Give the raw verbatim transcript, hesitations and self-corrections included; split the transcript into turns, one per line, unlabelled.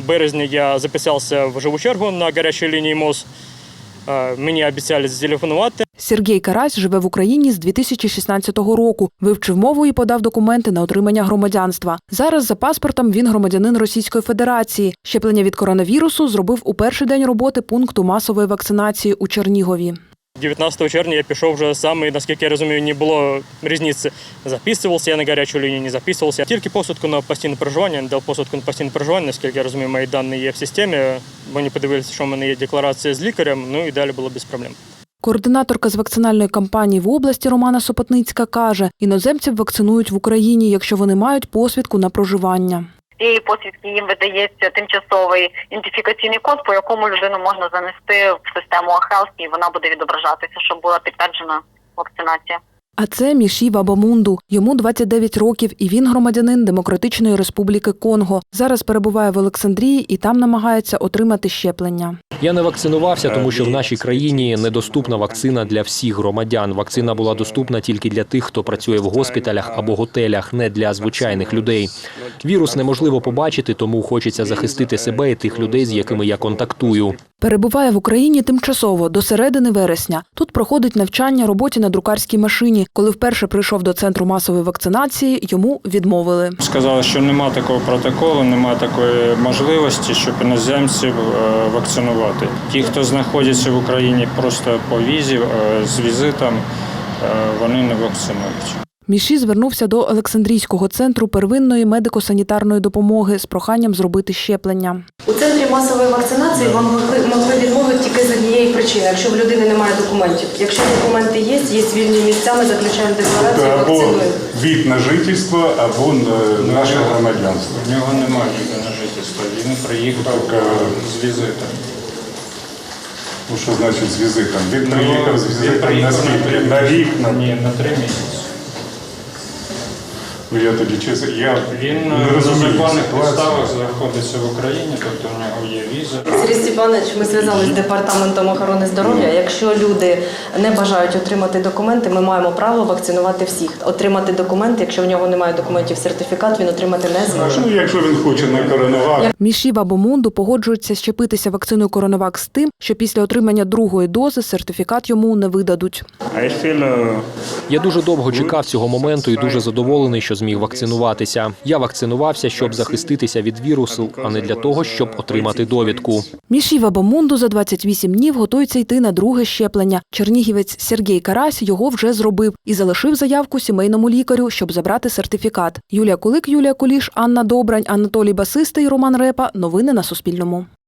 В березні я записався в живу чергу на гарячій лінії МОЗ. Мені обіцяли зателефонувати.
Сергій Карась живе в Україні з дві тисячі шістнадцятого року. Вивчив мову і подав документи на отримання громадянства. Зараз за паспортом він громадянин Російської Федерації. Щеплення від коронавірусу зробив у перший день роботи пункту масової вакцинації у Чернігові.
дев'ятнадцятого червня я пішов вже сам, і, наскільки я розумію, не було різниці. Записувався я на гарячу лінію, не записувався. Тільки посвідку на постійне проживання, дав посвідку на постійне проживання, наскільки я розумію, мої дані є в системі. Вони подивилися, що в мене є декларація з лікарем, ну і далі було без проблем.
Координаторка з вакцинальної кампанії в області Романа Сопотницька каже, іноземців вакцинують в Україні, якщо вони мають посвідку на проживання.
Цієї посвідки їм видається тимчасовий ідентифікаційний код, по якому людину можна занести в систему АХЕЛС, і вона буде відображатися, щоб була підтверджена вакцинація.
А це Міші Вабамунду. Йому двадцять дев'ять років, і він громадянин Демократичної Республіки Конго. Зараз перебуває в Олександрії і там намагається отримати щеплення.
Я не вакцинувався, тому що в нашій країні недоступна вакцина для всіх громадян. Вакцина була доступна тільки для тих, хто працює в госпіталях або готелях, не для звичайних людей. Вірус неможливо побачити, тому хочеться захистити себе і тих людей, з якими я контактую.
Перебуває в Україні тимчасово, до середини вересня. Тут проходить навчання роботі на друкарській машині. Коли вперше прийшов до центру масової вакцинації, йому відмовили.
Сказали, що немає такого протоколу, немає такої можливості, щоб іноземців вакцинувати. Ті, хто знаходиться в Україні просто по візі, з візитом, вони не вакцинують.
Міші звернувся до Олександрійського центру первинної медико-санітарної допомоги з проханням зробити щеплення.
У центрі масової вакцинації вам могли відмовити тільки з однієї причини, якщо в людини немає документів. Якщо документи є, є вільні місця, ми заключаємо декларацію, вакцинуємо.
Або від на жительство, або наше громадянство.
У нього немає від на жительства, він приїхав так, з візитом.
Ну що значить з візитом? Він приїхав з візитом на скільки? На рік?
Ні, на три місяці.
Ну, я тоді чесно, я
Він
не
на
розумію
законних
ситуацію.
підставах знаходиться в Україні, тобто у нього є віза.
Сергій Степанович, ми зв'язалися з департаментом охорони здоров'я. Якщо люди не бажають отримати документи, ми маємо право вакцинувати всіх. Отримати документи, якщо в нього немає документів, сертифікат, він отримати не зможе.
Ну, якщо він хоче на коронавак.
Міші Вабамунду погоджується щепитися вакциною Коронавак з тим, що після отримання другої дози сертифікат йому не видадуть.
Я дуже довго чекав цього моменту і дуже задоволений, що зміг вакцинуватися. Я вакцинувався, щоб захиститися від вірусу, а не для того, щоб отримати довідку.
Міші Вабамунду за двадцять вісім днів готується йти на друге щеплення. Чернігівець Сергій Карась його вже зробив і залишив заявку сімейному лікарю, щоб забрати сертифікат. Юлія Кулик, Юлія Куліш, Анна Добрань, Анатолій Басистий, Роман Репа. Новини на Суспільному.